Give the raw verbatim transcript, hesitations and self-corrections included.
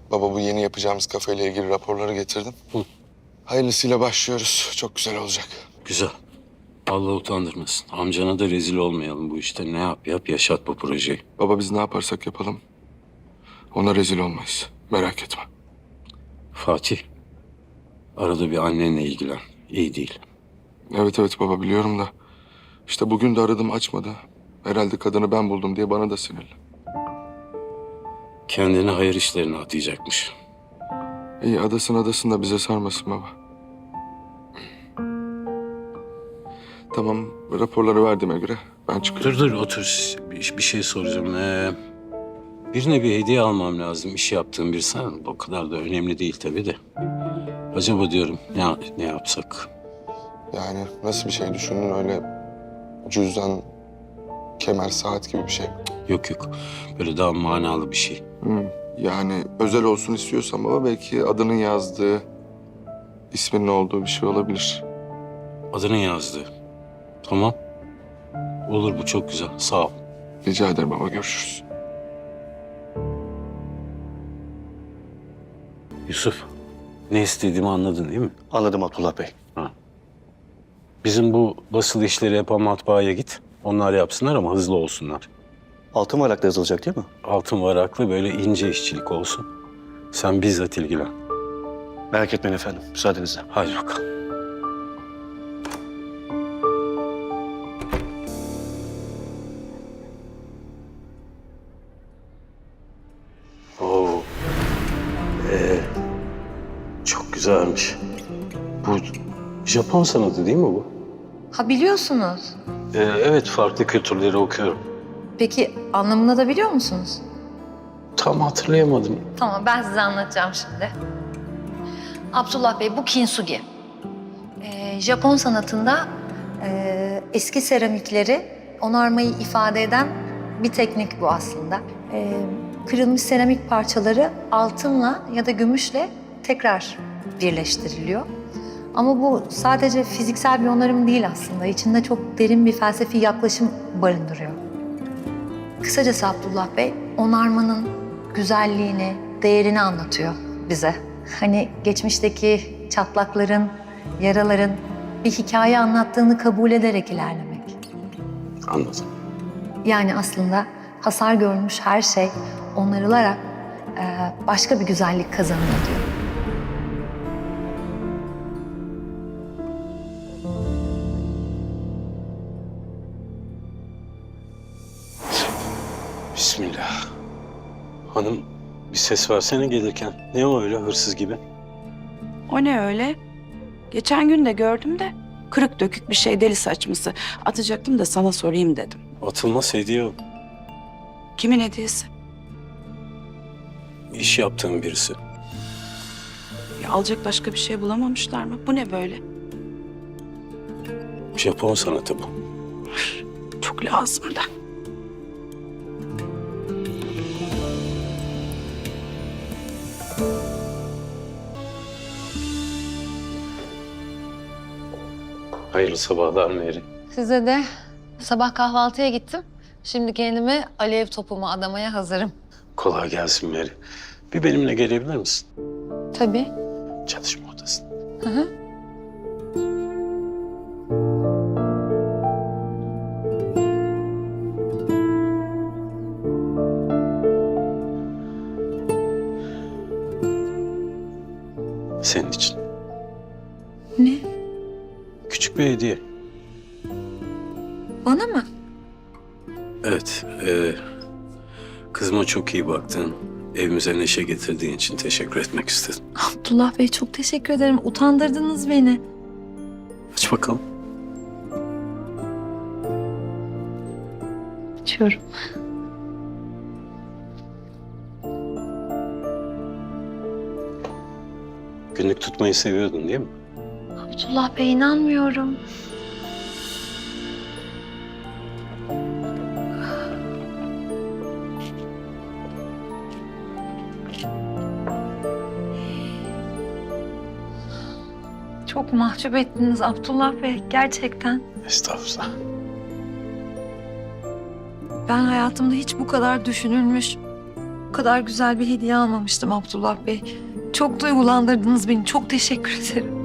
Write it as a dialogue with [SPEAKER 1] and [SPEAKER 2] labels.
[SPEAKER 1] Baba bu yeni yapacağımız kafeyle ilgili raporları getirdim.
[SPEAKER 2] Hı.
[SPEAKER 1] Hayırlısıyla başlıyoruz. Çok güzel olacak.
[SPEAKER 2] Güzel. Allah utandırmasın. Amcana da rezil olmayalım bu işte. Ne yap yap yaşat bu projeyi.
[SPEAKER 1] Baba biz ne yaparsak yapalım ona rezil olmayız. Merak etme.
[SPEAKER 2] Fatih, arada bir annenle ilgilen. İyi değil.
[SPEAKER 1] Evet evet baba biliyorum da. İşte bugün de aradım açmadı. Herhalde kadını ben buldum diye bana da sinirli.
[SPEAKER 2] Kendini hayır işlerine atayacakmış.
[SPEAKER 1] İyi adasın adasın da bize sarmasın baba. Tamam raporları verdiğime göre ben çıkıyorum.
[SPEAKER 2] Dur dur otur. Bir, bir şey soracağım. Ee, birine bir hediye almam lazım. İş yaptığım bir sen. O kadar da önemli değil tabii de. Acaba diyorum ne, ne yapsak?
[SPEAKER 1] Yani nasıl bir şey düşündün öyle cüzdan, kemer, saat gibi bir şey.
[SPEAKER 2] Yok yok. Böyle daha manalı bir şey.
[SPEAKER 1] Hmm. Yani özel olsun istiyorsan baba belki adının yazdığı, isminin olduğu bir şey olabilir.
[SPEAKER 2] Adını yazdı. Tamam. Olur bu çok güzel. Sağ ol.
[SPEAKER 1] Rica ederim baba görüşürüz.
[SPEAKER 2] Yusuf, ne istediğimi anladın değil mi?
[SPEAKER 3] Anladım Abdullah Bey.
[SPEAKER 2] Bizim bu basılı işleri yapan matbaaya git. Onlar yapsınlar ama hızlı olsunlar.
[SPEAKER 3] Altın varakla yazılacak değil mi?
[SPEAKER 2] Altın varaklı böyle ince işçilik olsun. Sen bizzat ilgilen.
[SPEAKER 3] Merak etmeyin efendim, müsaadenizle.
[SPEAKER 2] Hadi bakalım. Oo. Ee, çok güzelmiş. Bu Japon sanatı değil mi bu?
[SPEAKER 4] Ha biliyorsunuz.
[SPEAKER 2] Ee, evet, farklı kültürleri okuyorum.
[SPEAKER 4] Peki anlamını da biliyor musunuz?
[SPEAKER 2] Tam hatırlayamadım.
[SPEAKER 4] Tamam ben size anlatacağım şimdi. Abdullah Bey bu kintsugi. Ee, Japon sanatında e, eski seramikleri onarmayı ifade eden bir teknik bu aslında. Ee, kırılmış seramik parçaları altınla ya da gümüşle tekrar birleştiriliyor. Ama bu sadece fiziksel bir onarım değil aslında. İçinde çok derin bir felsefi yaklaşım barındırıyor. Kısacası Abdullah Bey, onarmanın güzelliğini, değerini anlatıyor bize. Hani geçmişteki çatlakların, yaraların bir hikaye anlattığını kabul ederek ilerlemek.
[SPEAKER 2] Anladım.
[SPEAKER 4] Yani aslında hasar görmüş her şey onarılarak e, başka bir güzellik kazanıyor diyor.
[SPEAKER 2] Bismillah. Hanım bir ses versene gelirken. Ne o öyle hırsız gibi?
[SPEAKER 5] O ne öyle? Geçen gün de gördüm de kırık dökük bir şey deli saçması. Atacaktım da sana sorayım dedim.
[SPEAKER 2] Atılmaz hediye o.
[SPEAKER 5] Kimin hediyesi?
[SPEAKER 2] İş yaptığım birisi.
[SPEAKER 5] Ya alacak başka bir şey bulamamışlar mı? Bu ne böyle?
[SPEAKER 2] Japon sanatı bu.
[SPEAKER 5] Çok lazım da.
[SPEAKER 2] Hayırlı sabahlar Meri.
[SPEAKER 4] Size de sabah kahvaltıya gittim. Şimdi kendimi alev topuma adamaya hazırım.
[SPEAKER 2] Kolay gelsin Meri. Bir benimle gelebilir misin?
[SPEAKER 4] Tabii.
[SPEAKER 2] Çalışma odasına.
[SPEAKER 4] Hı hı.
[SPEAKER 2] Senin için.
[SPEAKER 4] Ne?
[SPEAKER 2] Küçük bir hediye.
[SPEAKER 4] Bana mı?
[SPEAKER 2] Evet. E, kızıma çok iyi baktın. Evimize neşe getirdiğin için teşekkür etmek istedim.
[SPEAKER 4] Abdullah Bey çok teşekkür ederim. Utandırdınız beni.
[SPEAKER 2] Aç bakalım.
[SPEAKER 4] Açıyorum.
[SPEAKER 2] Günlük tutmayı seviyordun değil mi?
[SPEAKER 4] Abdullah Bey inanmıyorum. Çok mahcup ettiniz Abdullah Bey gerçekten.
[SPEAKER 2] Estağfurullah.
[SPEAKER 4] Ben hayatımda hiç bu kadar düşünülmüş, Bu kadar güzel bir hediye almamıştım Abdullah Bey. Çok duygulandırdınız beni. Çok teşekkür ederim.